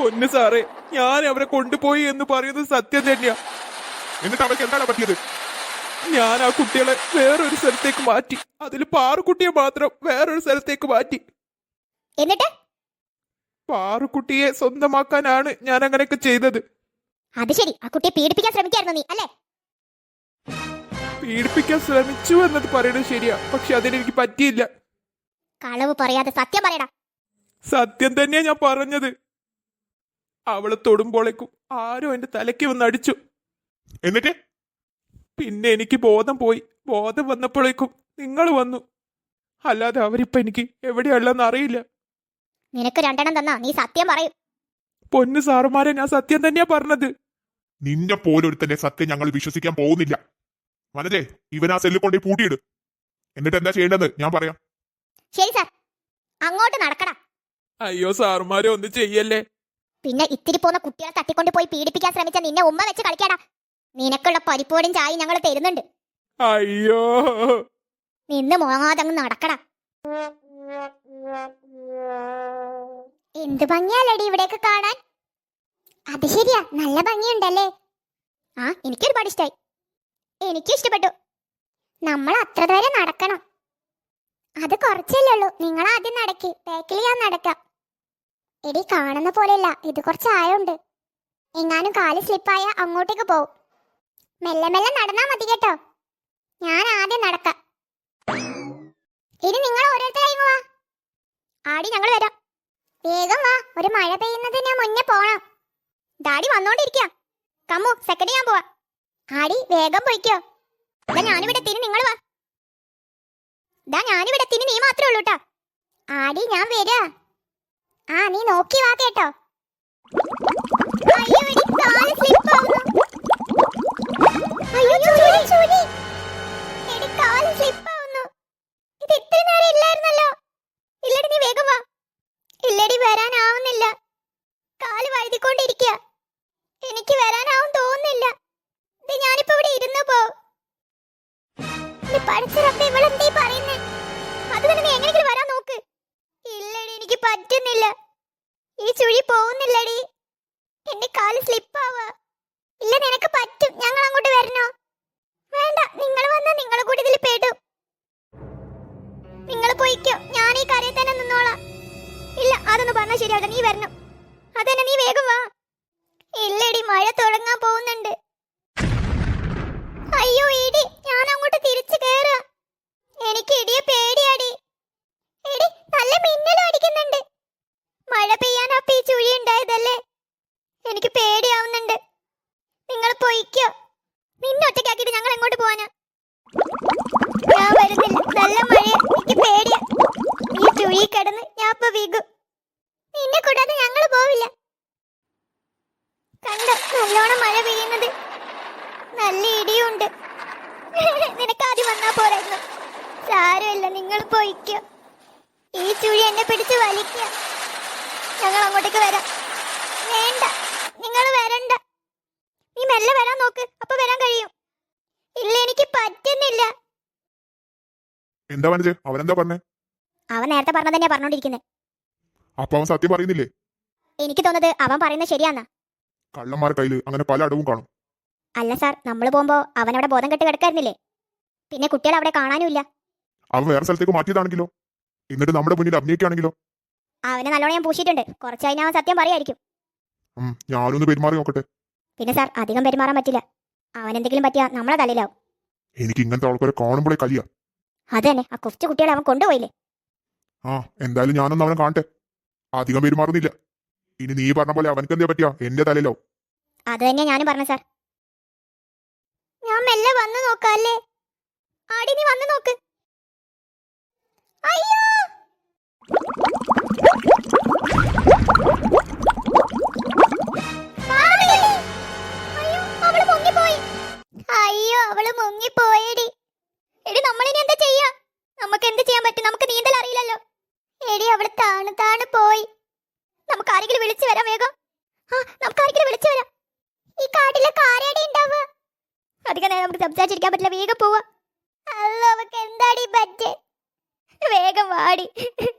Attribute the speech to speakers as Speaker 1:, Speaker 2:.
Speaker 1: പൊന്നു സാറേ, ഞാൻ അവരെ കൊണ്ടുപോയി എന്ന് പറയുന്നത് സത്യം തന്നെയാ.
Speaker 2: എന്നിട്ട് അവർക്ക് എന്താണ് പറ്റിയത്?
Speaker 1: ഞാൻ ആ കുട്ടികളെ വേറൊരു സ്ഥലത്തേക്ക് മാറ്റി. അതിൽ പാറുക്കുട്ടിയെ മാത്രം വേറൊരു സ്ഥലത്തേക്ക് മാറ്റി.
Speaker 3: എന്നിട്ട്
Speaker 1: പാറുക്കുട്ടിയെ സ്വന്തമാക്കാനാണ് ഞാൻ അങ്ങനെയൊക്കെ ചെയ്തത്.
Speaker 3: അത് ശരി, ആ കുട്ടിയെ പീഡിപ്പിക്കാൻ ശ്രമിക്കായിരുന്നു നീ അല്ലേ?
Speaker 1: പീഡിപ്പിക്കാൻ ശ്രമിച്ചു എന്നത് പറയുന്നത് ശരിയാ, പക്ഷെ അതിനെനിക്ക് പറ്റിയില്ല.
Speaker 3: കളവ് പറയാതെ സത്യം പറയടാ.
Speaker 1: സത്യം തന്നെയാ ഞാൻ പറഞ്ഞത്. അവളെ തൊടുമ്പോഴേക്കും ആരോ എന്റെ തലയ്ക്ക് വന്ന് അടിച്ചു.
Speaker 2: എന്നിട്ട്
Speaker 1: പിന്നെ എനിക്ക് ബോധം പോയി. ബോധം വന്നപ്പോഴേക്കും നിങ്ങൾ വന്നു. അല്ലാതെ അവരിപ്പോ എനിക്ക് എവിടെയുള്ളതെന്ന് അറിയില്ല.
Speaker 3: നിനക്ക് രണ്ടെണ്ണം തന്നാ നീ സത്യം പറയും.
Speaker 1: പൊന്നു സാറുമാരെ, ഞാൻ സത്യം തന്നെയാ പറഞ്ഞത്.
Speaker 2: നിന്നെ പോലൊരുത്തന്റെ സത്യം ഞങ്ങൾ വിശ്വസിക്കാൻ പോകുന്നില്ല. വനജേ, ഇവനാ സെല്ലിൽ കൊണ്ടേ പൂട്ടിയിട്. എന്നിട്ട് എന്താ ചെയ്യേണ്ടത് ഞാൻ പറയാം.
Speaker 3: ശരി സാർ, അങ്ങോട്ട് നടക്കടാ.
Speaker 1: അയ്യോ സാറുമാരെ, ഒന്നും ചെയ്യല്ലേ.
Speaker 3: പിന്നെ ഇത്തിരി പോന്ന കുട്ടികളെ തട്ടിക്കൊണ്ട് പോയി പീഡിപ്പിക്കാൻ ശ്രമിച്ച നിന്നെ ഉമ്മ വെച്ച് കളിക്കാടാ. നിനക്കുള്ള പരിപ്പോടും ചായയും ഞങ്ങൾ തരുന്നുണ്ട്.
Speaker 1: അയ്യോ,
Speaker 3: നിന്ന് മോങ്ങാതങ്ങ് നടക്കടാ. എന്ത് ഭംഗിയാലടി ഇവിടേക്ക് കാണാൻ. അത് ശരിയാ, നല്ല ഭംഗിയുണ്ടല്ലേ. ആ, എനിക്കൊരുപാട് ഇഷ്ടായി. എനിക്കും ഇഷ്ടപ്പെട്ടു. നമ്മൾ അത്ര വരെ നടക്കണം. അത് കുറച്ചല്ലേ ഉള്ളൂ. നിങ്ങൾ ആദ്യം നടക്കി, ബാക്കിൽ ഞാൻ നടക്കാം. എടി, കാണുന്ന പോലെയല്ല, ഇത് കുറച്ച് ആഴമുണ്ട്. എങ്ങാനും കാല് സ്ലിപ്പായ അങ്ങോട്ടേക്ക് പോവും. മെല്ലെ മെല്ലെ നടന്നാ മതി കേട്ടോ. ഞാൻ ആദ്യം നടക്കാം. ഇനി നിങ്ങൾ ഓരോരുത്തരായി വാ. ആടി, ഞങ്ങൾ വരാം. വേഗം വാ, ഒരു മഴ പെയ്യുന്നതിന് മുന്നേ പോണം. ഡാഡി വന്നോണ്ടിരിക്കുക. കമ്മു, സെക്കൻഡ് ഞാൻ പോവാ. ആടി, വേഗം പോയിക്കോ. ഇതാ ഞാനിവിടെ എത്തിന്, നിങ്ങൾ വാ. ഇതാ ഞാനിവിടെ എത്തിന്, നീ മാത്രമേ ഉള്ളൂ കേട്ടോ. ആടി, ഞാൻ വരാ. ആ, നീ നോക്കി വാ കേട്ടോ. അയ്യോ, എടി, കാല് സ്ലിപ്പ് ആവുന്നു. അയ്യോ, ചൂരി, ചൂരി. എടി, കാല് സ്ലിപ്പ് ആവുന്നു. ഇത് ഇത്ര നേരം ഇല്ലായിരുന്നല്ലോ. ഇല്ലടി, നീ വേഗം വാ. ഇല്ലടി, വരാനാവുന്നില്ല. കാല് വഴുതിക്കൊണ്ടിരിക്കുക. എനിക്ക് വരാനാവും തോന്നുന്നില്ല. ഇത് ഞാനിപ്പോ ഇവിടെ ഇരുന്നു പോ. പഠിച്ചറപ്പ ഇവളെന്തീ പറയുന്നേ? അത് തന്നെ, നീ എങ്ങനെയെങ്കിലും വരാൻ നോക്ക്. ഇല്ലടി, എനിക്ക് പറ്റുന്നില്ല. ഈ ചുഴി പോകുന്നില്ലടി. എന്റെ കാല് സ്ലിപ്പാവാ. ഇല്ല, നിനക്ക് പറ്റും. ഞങ്ങൾ അങ്ങോട്ട് വരണോ? വേണ്ട, നിങ്ങൾ വന്നാ നിങ്ങൾ കൂടി ഇതിൽ പെടും. നിങ്ങൾ പോയിക്കോ, ഞാൻ ഈ കരയിൽ തന്നെ നിന്നോളാം. ഇല്ല, അതൊന്നും പറഞ്ഞാൽ ശരിയാവില്ല. നീ വരണം. അതന്നെ, നീ വേഗം വാ. ഇല്ലടി, മഴ തുടങ്ങാൻ പോകുന്നുണ്ട്. അയ്യോ ഇടി, ഞാൻ അങ്ങോട്ട് തിരിച്ചു കേറാ. എനിക്ക് ഇടിയെ പേടിയാടി. എടി, നല്ല മിന്നലും അടിക്കുന്നുണ്ട്. മഴ പെയ്യാനപ്പ ഈ ചുഴി ഉണ്ടായതല്ലേ. എനിക്ക് പേടിയാവുന്നുണ്ട്. നിങ്ങൾ പോയിക്കോ. നിന്നെ ഒറ്റയ്ക്കാക്കിട്ട് ഞങ്ങൾ എങ്ങോട്ട് പോവാനാ? ഞാൻ വരുന്നില്ല. നല്ല മഴ, എനിക്ക് പേടിയാ. ഈ ചുഴി കിടന്ന് ഞാൻ ഇപ്പൊ വീകും. നിന്നെ കൂടാതെ ഞങ്ങൾ പോവില്ല. കണ്ടോ, നല്ലോണം മഴ പെയ്യുന്നത്. നല്ല ഇടിയുണ്ട്. നിനക്ക് ആദ്യം വന്നാ പോരായിരുന്നു. സാരമില്ല, നിങ്ങൾ പോയിക്കോ. ഈ ചുഴി എന്നെ പിടിച്ച് വലിക്കുക. ഞങ്ങൾ അങ്ങോട്ടേക്ക് വരാം. വേണ്ട, നിങ്ങൾ വരണ്ട. നീ മെല്ലെ വരാൻ നോക്ക്, അപ്പൊ വരാൻ കഴിയും. ഇല്ല, എനിക്ക് പറ്റുന്നില്ല.
Speaker 2: എന്താ വനജേ, അവനെന്താ പറഞ്ഞേ?
Speaker 3: അവൻ നേരത്തെ പറഞ്ഞ തന്നെയാ പറഞ്ഞോണ്ടിരിക്കുന്നത്.
Speaker 2: അപ്പൊ അവൻ സത്യം പറയുന്നില്ലേ?
Speaker 3: എനിക്ക് തോന്നുന്നത് അവൻ പറയുന്നത് ശരിയാന്നാ.
Speaker 2: കള്ളന്മാരുടെ കയ്യിൽ അങ്ങനെ പല അടവും കാണും.
Speaker 3: അല്ല സാർ, നമ്മൾ പോകുമ്പോ അവൻ അവിടെ ബോധം കെട്ട് കിടക്കായിരുന്നില്ലേ? പിന്നെ കുട്ടികൾ അവിടെ കാണാനുമില്ല.
Speaker 2: അവൻ വേറെ സ്ഥലത്തേക്ക് മാറ്റിയതാണെങ്കിലോ? എന്നിട്ട് നമ്മുടെ മുന്നിൽ അഭിനയിക്കുകയാണെങ്കിലോ?
Speaker 3: അവനെ നല്ലോണം ഞാൻ പൂശിയിട്ടുണ്ട്. കുറച്ച് കഴിഞ്ഞാൽ അവൻ സത്യം പറയായിരിക്കും.
Speaker 2: ഞാനൊന്ന് പെരുമാറി നോക്കട്ടെ.
Speaker 3: പിന്നെ സാർ, അധികം പെരുമാറാൻ പറ്റില്ല. അവൻ എന്തെങ്കിലും പറ്റിയാ നമ്മളെ തലയിലാവും.
Speaker 2: എനിക്ക് ഇങ്ങനത്തെ ആൾക്കാരെ കാണുമ്പോഴേ കലിയ.
Speaker 3: അത് തന്നെ, ആ കൊച്ചു കുട്ടികളെ അവൻ കൊണ്ടുപോയില്ലേ.
Speaker 2: എന്തായാലും ഞാനൊന്നും അവനെ കാണട്ടെ. അധികം പെരുമാറുന്നില്ല. ഇനി നീ പറഞ്ഞ പോലെ അവനക്ക് എന്താ പറ്റിയാ എന്റെ തലയിലാവും.
Speaker 3: അത് തന്നെയാ ഞാനും പറഞ്ഞു സാർ. ഞാൻ മെല്ലെ വന്നു നോക്കാല്ലേ. ആടി, നീ വന്നു നോക്ക്. അയ്യോ, അയ്യോ, അവള് മുങ്ങിപ്പോയടി. എടി, നമ്മളിനി എന്താ ചെയ്യാ? നമുക്ക് എന്ത് ചെയ്യാൻ പറ്റും? നമുക്ക് നീന്തൽ അറിയില്ലല്ലോ. എടി, അവള് താണ് പോയി. നമുക്ക് ആരെങ്കിലും വിളിച്ചു വരാം വേഗം. നമുക്ക് ആരെങ്കിലും വിളിച്ചു വരാം. ഈ കാട്ടിലെ കാരടി ഉണ്ടാവുക. അധികം നേരം നമുക്ക് സംസാരിച്ചിരിക്കാൻ പറ്റില്ല. വേഗം പോവാ. അല്ലോ, അവക്ക് എന്താടി പറ്റേ? വേഗം വാടി.